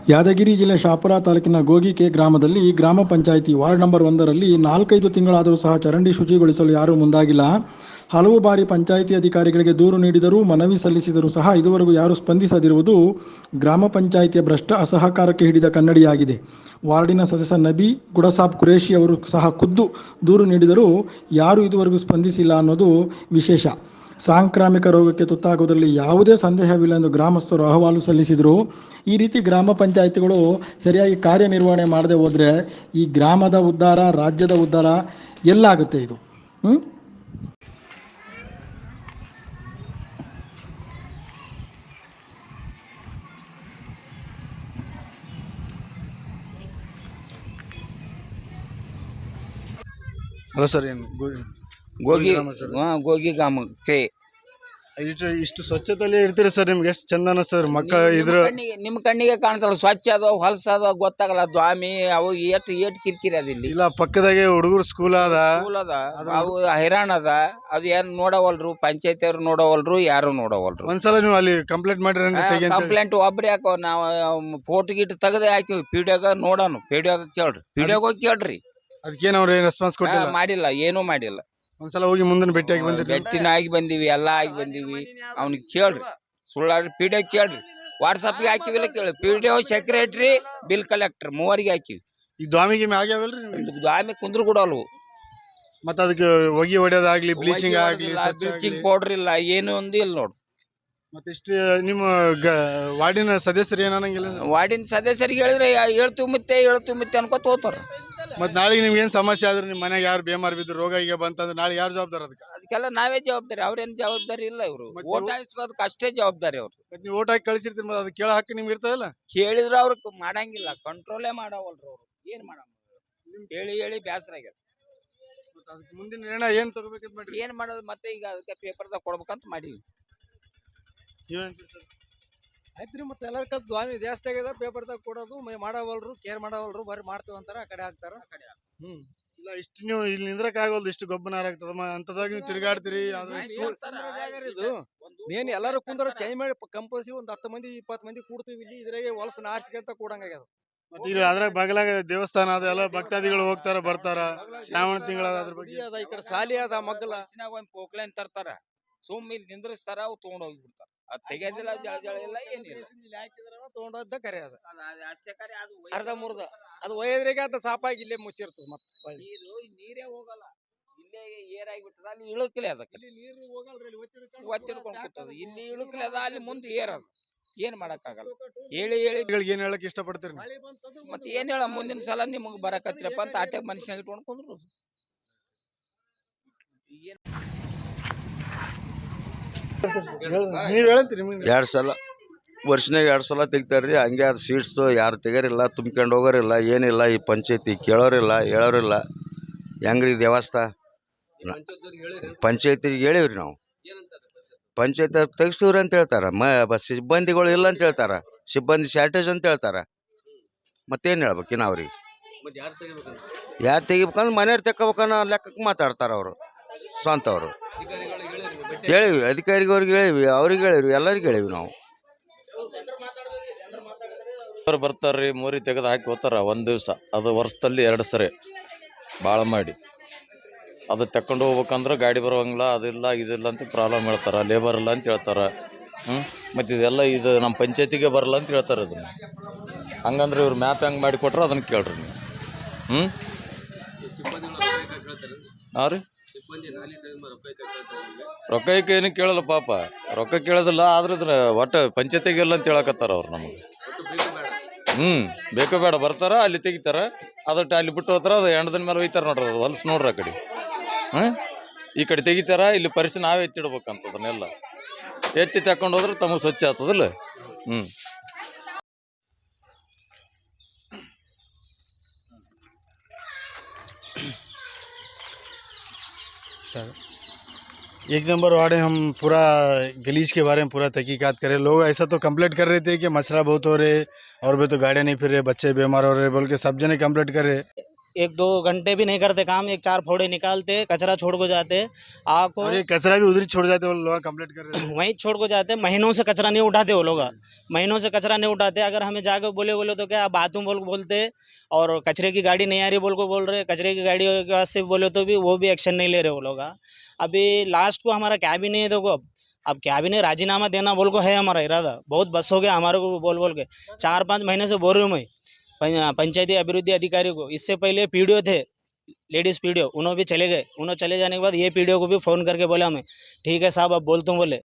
ಯಾದಗಿರಿ ಜಿಲ್ಲೆ ಶಾಪುರ ತಾಲೂಕಿನ ಗೋಗಿಕೆ ಗ್ರಾಮದಲ್ಲಿ ಗ್ರಾಮ ಪಂಚಾಯಿತಿ ವಾರ್ಡ್ ನಂಬರ್ 1ರಲ್ಲಿ 4-5 ತಿಂಗಳಾದರೂ ಸಹ ಚರಂಡಿ ಶುಚಿಗೊಳಿಸಲು ಯಾರೂ ಮುಂದಾಗಿಲ್ಲ. ಹಲವು ಬಾರಿ ಪಂಚಾಯಿತಿ ಅಧಿಕಾರಿಗಳಿಗೆ ದೂರು ನೀಡಿದರೂ, ಮನವಿ ಸಲ್ಲಿಸಿದರೂ ಸಹ ಇದುವರೆಗೂ ಯಾರೂ ಸ್ಪಂದಿಸದಿರುವುದು ಗ್ರಾಮ ಪಂಚಾಯಿತಿಯ ಭ್ರಷ್ಟ ಅಸಹಕಾರಕ್ಕೆ ಹಿಡಿದ ಕನ್ನಡಿಯಾಗಿದೆ. ವಾರ್ಡಿನ ಸದಸ್ಯ ನಬಿ ಗುಡಸಾಬ್ ಕುರೇಶಿ ಅವರು ಸಹ ಖುದ್ದು ದೂರು ನೀಡಿದರೂ ಯಾರೂ ಇದುವರೆಗೂ ಸ್ಪಂದಿಸಿಲ್ಲ ಅನ್ನೋದು ವಿಶೇಷ. ಸಾಂಕ್ರಾಮಿಕ ರೋಗಕ್ಕೆ ತುತ್ತಾಗುವುದರಲ್ಲಿ ಯಾವುದೇ ಸಂದೇಹವಿಲ್ಲ ಎಂದು ಗ್ರಾಮಸ್ಥರು ಅಹವಾಲು ಸಲ್ಲಿಸಿದರು. ಈ ರೀತಿ ಗ್ರಾಮ ಪಂಚಾಯಿತಿಗಳು ಸರಿಯಾಗಿ ಕಾರ್ಯನಿರ್ವಹಣೆ ಮಾಡದೆ ಹೋದರೆ ಈ ಗ್ರಾಮದ ಉದ್ಧಾರ, ರಾಜ್ಯದ ಉದ್ಧಾರ ಎಲ್ಲಾಗುತ್ತೆ ಇದು? ಅಲ್ಲ ಸರ್, ಏನು ಗೋಗಿ ಗ್ರಾಮ ಸರ್? ಗೋಗಿ ಗ್ರಾಮಕ್ಕೆ ಇಷ್ಟು ಸ್ವಚ್ಛತೆಯಲ್ಲಿ ಇರ್ತೀರಿ ಸರ್, ನಿಮ್ಗೆ ಎಷ್ಟು ಚಂದ ಅನಿಸ್ತದೆ ಮಕ್ಕಳ ಇದ್ರ ನಿಮ್ಮ ಕಣ್ಣಿಗೆ ಕಾಣ್ತಲ್ಲ, ಸ್ವಚ್ಛ ಅದ ಹೊಲಸ ಅದ ಗೊತ್ತಾಗಲ್ಲ. ದ್ವಾಮಿ ಅವು ಏಟ್ ಕಿರಿಕಿರಿ ಅದ. ಇಲ್ಲಿ ಇಲ್ಲ, ಪಕ್ಕದಾಗೆ ಹುಡುಗರು ಸ್ಕೂಲ್ ಅದ, ಅವು ಹೈರಾಣ ಅದ. ಅದು ಏನ್ ನೋಡವಲ್ರು, ಪಂಚಾಯತಿ ಅವ್ರು ನೋಡವಲ್ರು, ಯಾರು ನೋಡವಲ್ರು. ಒಂದ್ಸಲ ನೀವು ಅಲ್ಲಿ ಕಂಪ್ಲೇಂಟ್ ಮಾಡಿರಿ. ಕಂಪ್ಲೇಂಟ್ ಒಬ್ರಿ ಹಾಕೋ, ನಾವು ಫೋಟೋ ಗಿಟ್ ತೆಗದೆ ಹಾಕಿವಿ. ಪಿಡಿಯೋಗ ನೋಡೋಣ, ಪಿಡಿಯೋಗ ಕೇಳ್ರಿ, ಪಿಡಿಯೋಗ ಹೋಗಿ ಕೇಳ್ರಿ. ಅದಕ್ಕೇನು ಅವ್ರು ಏನು ರೆಸ್ಪಾನ್ಸ್ ಕೊಟ್ಟಿಲ್ಲ? ಮಾಡಿಲ್ಲ, ಏನೂ ಮಾಡಿಲ್ಲ. ಒಂದ್ಸಲ ಹೋಗಿ ಮುಂದಿನ ಭೇಟಿಯಾಗಿ ಬಂದಿರಿ? ಬೆಟ್ಟಿನ ಆಗಿ ಬಂದಿವಿ, ಎಲ್ಲ ಆಗಿ ಬಂದಿವಿ. ಅವ್ನಿಗೆ ಕೇಳ್ರಿ, ಸುಳ್ಳಾಡ್ರಿ, ಪಿಡಿಯೋ ಕೇಳ್ರಿ. ವಾಟ್ಸಪ್ಗೆ ಹಾಕಿವಿಲ್ಲ ಕೇಳಿ. ಪಿಡಿಒ, ಸೆಕ್ರೆಟರಿ, ಬಿಲ್ ಕಲೆಕ್ಟರ್ ಮೂವರಿಗೆ ಹಾಕಿವಿ. ಈ ದ್ವಾಮಿಗೆ ಆಗ್ಯಾವಲ್ರಿ? ದ್ವಾಮಿ ಕುಂದ್ರು ಕೊಡಲ್ವು. ಮತ್ತೆ ಅದಕ್ಕೆ ಹೊಗೆ ಹೊಡೆಯೋದಾಗ್ಲಿ, ಬ್ಲೀಚಿಂಗ್ ಆಗ್ಲಿ, ಬ್ಲೀಚಿಂಗ್ ಪೌಡರ್ ಇಲ್ಲ, ಏನು ಒಂದು ಇಲ್ಲ ನೋಡು. ಮತ್ತೆ ಇಷ್ಟು ನಿಮ್ಮ ವಾರ್ಡಿನ ಸದಸ್ಯರು ಏನಂಗಿಲ್ಲ? ವಾರ್ಡಿನ ಸದಸ್ಯರಿಗೆ ಹೇಳಿದ್ರೆ ಹೇಳ್ತೀವಿ ಮತ್ತೆ ಅನ್ಕೋತ ಹೋಗ್ತಾರ. ಮತ್ತೆ ನಾಳೆಗೆ ನಿಮ್ಗೆ ಏನು ಸಮಸ್ಯೆ ಆದ್ರೆ, ನಿಮ್ಮ ಮನೆಗೆ ಯಾರು ಬೇಮಾರ್ ಬಿದ್ದು ರೋಗ ಈಗ ಬಂತಂದ್ರೆ ನಾಳೆ ಯಾರು ಜವಾಬ್ದಾರ? ಅದಕ್ಕೆಲ್ಲ ನಾವೇ ಜವಾಬ್ದಾರಿ, ಅವ್ರೇನು ಜವಾಬ್ದಾರಿ ಇಲ್ಲ. ಇವರು ಓಟ್ ಹಾಕಿಸ್ಕೋದಕ್ಕೆ ಅಷ್ಟೇ ಜವಾಬ್ದಾರಿ ಅವ್ರು. ನೀವು ಓಟ್ ಹಾಕಿ ಕಳಿಸಿರ್ತೀರಿ, ಮತ್ತೆ ಅದು ಕೇಳೋ ಹಕ್ಕು ನಿಮ್ಗೆ ಇರ್ತದಲ್ಲ? ಕೇಳಿದ್ರು ಅವ್ರಿಗೆ ಮಾಡಂಗಿಲ್ಲ, ಕಂಟ್ರೋಲೇ ಮಾಡವಲ್ರು ಅವ್ರು. ಏನ್ ಮಾಡಮ್ಮ, ಹೇಳಿ ಬೇಸರ ಆಗ್ಯದ. ಮುಂದಿನ ನಿರ್ಣಯ ಏನ್ ತಗೋಬೇಕಂತ ಮಾಡ್ರಿ? ಏನ್ ಮಾಡೋದು ಮತ್ತೆ? ಈಗ ಅದಕ್ಕೆ ಪೇಪರ್ದಾಗ ಕೊಡ್ಬೇಕಂತ ಮಾಡೀವಿ. ಆಯ್ತ್ರಿ, ಮತ್ತೆ ಎಲ್ಲರ ಕಲ್ ದ್ವಾಮಿ ಜಾಸ್ತಿ ಆಗ್ಯದ, ಪೇಪರ್ದಾಗ ಕೊಡೋದು ಮಾಡವಲ್ರು, ಕೇರ್ ಮಾಡವಲ್ರು, ಬರೀ ಮಾಡ್ತೀವಿ ಅಂತಾರ, ಆ ಕಡೆ ಹಾಕ್ತಾರ. ಇಲ್ಲ, ಇಷ್ಟು ನೀವು ಇಲ್ಲಿ ನಿಂದ್ರಕ್ ಆಗಲ್ದು, ಇಷ್ಟು ಗೊಬ್ಬರ ಆಗ್ತದ ಅಂತದಾಗ ನೀವು ತಿರುಗಾಡ್ತೀರಿ. ಇದು ಮೇನ್ ಎಲ್ಲಾರು ಕುಂದ್ರ ಚೇಂಜ್ ಮಾಡಿ ಕಂಪಲ್ಸರಿ ಒಂದು 10 ಮಂದಿ 20 ಮಂದಿ ಕೂಡ್ತೀವಿ ಇಲ್ಲಿ. ಇದ್ರಾಗೆ ಹೊಲಸ ನಾರ್ಸಿಕಂತ ಕೂಡಂಗಾಗ್ಯದ. ಮತ್ತೆ ಇಲ್ಲಿ ಅದ್ರಾಗ ಬಗಲಾಗ ದೇವಸ್ಥಾನ ಅದ, ಎಲ್ಲ ಭಕ್ತಾದಿಗಳು ಹೋಗ್ತಾರ ಬರ್ತಾರ. ಶ್ರಾವಣ ತಿಂಗಳ ಅದ್ರ ಬಗ್ಗೆ ಅದ, ಈ ಕಡೆ ಸಾಲಿ ಅದ, ಮಗ್ಗಲ ಒಂದು ಪೋಕ್ಲೈನ್ ತರ್ತಾರ, ಸುಮ್ ಇಲ್ಲಿ ನಿಂದ್ರಿಸ್ತಾರ, ಅವು ತಗೊಂಡ್ ಹೋಗ್ಬಿಡ್ತಾರ. ಅದ್ ತೆಗೆದಿಲ್ಲ, ಜಳ ಇಲ್ಲ, ಏನಿಲ್ಲ. ತಗೊಂಡೋದ ಕರೆ ಅದ, ಅಷ್ಟೇ ಕರೆ. ಅದು ಅರ್ಧ ಮುರ್ದ ಅದು ಒಯ್ದ್ರಿಗೆ ಅಂತ ಸಾಪಾಗಿ ಇಲ್ಲೇ ಮುಚ್ಚಿರ್ತದ. ಮತ್ತೆ ನೀರೇ ಹೋಗಲ್ಲ, ಇಲ್ಲೇ ಏರಾಗಿಬಿಟ್ಟದ. ಅಲ್ಲಿ ಇಳುಕಲೆ ಅದಕ್ಕೆ ನೀರು ಹೋಗಲ್ರಿ, ಒತ್ತಿಡ್ಕೊಂಡು ಕೂತದ. ಇಲ್ಲಿ ಇಳುಕಲೆ ಅದ, ಅಲ್ಲಿ ಮುಂದೆ ಏರದ. ಏನ್ ಮಾಡಕ್ಕಾಗಲ್ಲ. ಹೇಳಿ ಏನ್ ಹೇಳಕ್ ಇಷ್ಟಪಡ್ತೀರಿ? ಮತ್ತೆ ಏನ್ ಹೇಳ, ಮುಂದಿನ ಸಲ ನಿಮಗ್ ಬರಕತ್ತಿರಪ್ಪ ಅಂತ ಆಟೆ ಮನುಷ್ಯನಾಗ ಇಟ್ಕೊಂಡು ಕುಂದ್ರು. ನೀವ್ ಹೇಳ್ತೀರಿ? 2 ಸಲ ವರ್ಷನಾಗ 2 ಸಲ ತೆಗಿತಾರ್ರಿ. ಹಂಗೆ ಅದು ಸೀಟ್ಸು ಯಾರು ತೆಗರಿಲ್ಲ, ತುಂಬ್ಕೊಂಡು ಹೋಗೋರಿಲ್ಲ, ಏನಿಲ್ಲ. ಈ ಪಂಚಾಯತಿ ಕೇಳೋರಿಲ್ಲ, ಹೇಳೋರಿಲ್ಲ. ಹೆಂಗ್ರಿ ದೇವಸ್ಥಾನ? ಪಂಚಾಯತಿಗೆ ಹೇಳಿವ್ರಿ ನಾವು. ಪಂಚಾಯತ್ ತೆಗಿಸ್ತೀವ್ರಿ ಅಂತ ಹೇಳ್ತಾರ. ಸಿಬ್ಬಂದಿಗಳು ಇಲ್ಲ ಅಂತ ಹೇಳ್ತಾರ, ಸಿಬ್ಬಂದಿ ಶಾರ್ಟೇಜ್ ಅಂತ ಹೇಳ್ತಾರ. ಮತ್ತೇನು ಹೇಳ್ಬೇಕಿನ್ನ ಅವ್ರಿಗೆ? ಯಾರು ತೆಗಿಬೇಕಂದ್ರೆ ಮನೆಯವ್ರು ತೆಕ್ಕೋಬೇಕನ್ನೋ ಲೆಕ್ಕಕ್ಕೆ ಮಾತಾಡ್ತಾರ ಅವರು, ಸ್ವಂತವ್ರು. ಹೇಳಿವಿ, ಅಧಿಕಾರಿಗವ್ರಿಗೆ ಹೇಳಿವಿ, ಅವ್ರಿಗೆ ಹೇಳಿವಿ, ಎಲ್ಲರಿಗೆ ಹೇಳಿವಿ ನಾವು. ಅವ್ರು ಬರ್ತಾರ್ರಿ, ಮೋರಿ ತೆಗೆದು ಹಾಕಿ ಹೋಗ್ತಾರ ಒಂದು ದಿವಸ. ಅದು ವರ್ಷದಲ್ಲಿ 2 ಸರಿ ಭಾಳ ಮಾಡಿ. ಅದು ತಕೊಂಡು ಹೋಗ್ಬೇಕಂದ್ರೆ ಗಾಡಿ ಬರೋಂಗಿಲ್ಲ, ಅದಿಲ್ಲ ಇದಿಲ್ಲ ಅಂತ ಪ್ರಾಬ್ಲಮ್ ಹೇಳ್ತಾರೆ. ಲೇಬರ್ ಇಲ್ಲ ಅಂತ ಹೇಳ್ತಾರೆ. ಮತ್ತು ಇದೆಲ್ಲ ಇದು ನಮ್ಮ ಪಂಚಾಯತಿಗೆ ಬರಲ್ಲ ಅಂತ ಹೇಳ್ತಾರೆ. ಅದನ್ನು ಹಂಗಂದ್ರೆ ಇವ್ರು ಮ್ಯಾಪ್ ಹೆಂಗೆ ಮಾಡಿ ಕೊಟ್ರೆ ಅದನ್ನು ಕೇಳ್ರಿ ನೀವು. ಹಾಂ ರೀ, ರೊಕ್ಕಕ್ಕೆ ಏನು ಕೇಳಲ್ಲ ಪಾಪ, ರೊಕ್ಕ ಕೇಳೋದಿಲ್ಲ. ಆದ್ರೆ ಇದನ್ನ ಒಟ್ಟು ಪಂಚಾಯತಿಗೆ ಇಲ್ಲ ಅಂತ ಹೇಳಕತ್ತಾರ ಅವ್ರು ನಮಗೆ. ಬೇಕೋ ಬೇಡ ಬರ್ತಾರ, ಅಲ್ಲಿ ತೆಗಿತಾರ, ಅದಟ್ಟು ಅಲ್ಲಿ ಬಿಟ್ಟು ಹೋಗ್ತಾರ. ಅದು ಹೆಣ್ದಿನ ಮೇಲೆ ಒಯ್ತಾರ ನೋಡ್ರಿ, ಅದು ಹೊಲ್ಸ್ ನೋಡ್ರಿ. ಆ ಕಡೆ ಈ ಕಡೆ ತೆಗಿತಾರ, ಇಲ್ಲಿ ಪರಿಸಿ ನಾವೇ ಎತ್ತಿಡ್ಬೇಕಂತ. ಅದನ್ನೆಲ್ಲ ಎತ್ತಿ ತಕೊಂಡು ಹೋದ್ರೆ ತಮಗೆ ಸ್ವಚ್ಛ ಆಗ್ತದಲ್ಲ. एक नंबर वार्ड है। हम पूरा गलीज के बारे में पूरा तहकीकात करें। लोग ऐसा तो कंप्लेंट कर रहे थे कि मच्छरा बहुत हो रहे, और भी तो गाड़ियाँ नहीं फिर रहे, बच्चे बीमार हो रहे बोल के सब जने कंप्लेंट कर रहे। 1-2 घंटे भी नहीं करते काम, एक 4 फोड़े निकालते, कचरा छोड़ को जाते। आपको और ये कचरा भी उधर ही छोड़ जाते, वो लोग कंप्लेंट कर रहे हैं। वहीं छोड़ को जाते, महीनों से कचरा नहीं उठाते वो लोग, महीनों से कचरा नहीं उठाते। अगर हमें जाकर बोले तो क्या बातों बोलते, और कचरे की गाड़ी नहीं आ रही बोल रहे, कचरे की गाड़ी के पास से बोले तो भी वो भी एक्शन नहीं ले रहे वो लोग। अभी लास्ट को हमारा कैबिनेट है, देखो अब कैबिनेट राजीनामा देना बोल को है हमारा इरादा। बहुत बस हो गया हमारे को बोल के, 4-5 महीने से बोल रही हूँ मैं पंचायती अभिवृद्धि अधिकारी को। इससे पहले पीडीओ थे, लेडीज पीडीओ, उन्होंने भी चले गए। उन्होंने चले जाने के बाद ये पीडीओ को भी फ़ोन करके बोला मैं, ठीक है साहब अब बोलता हूँ बोले।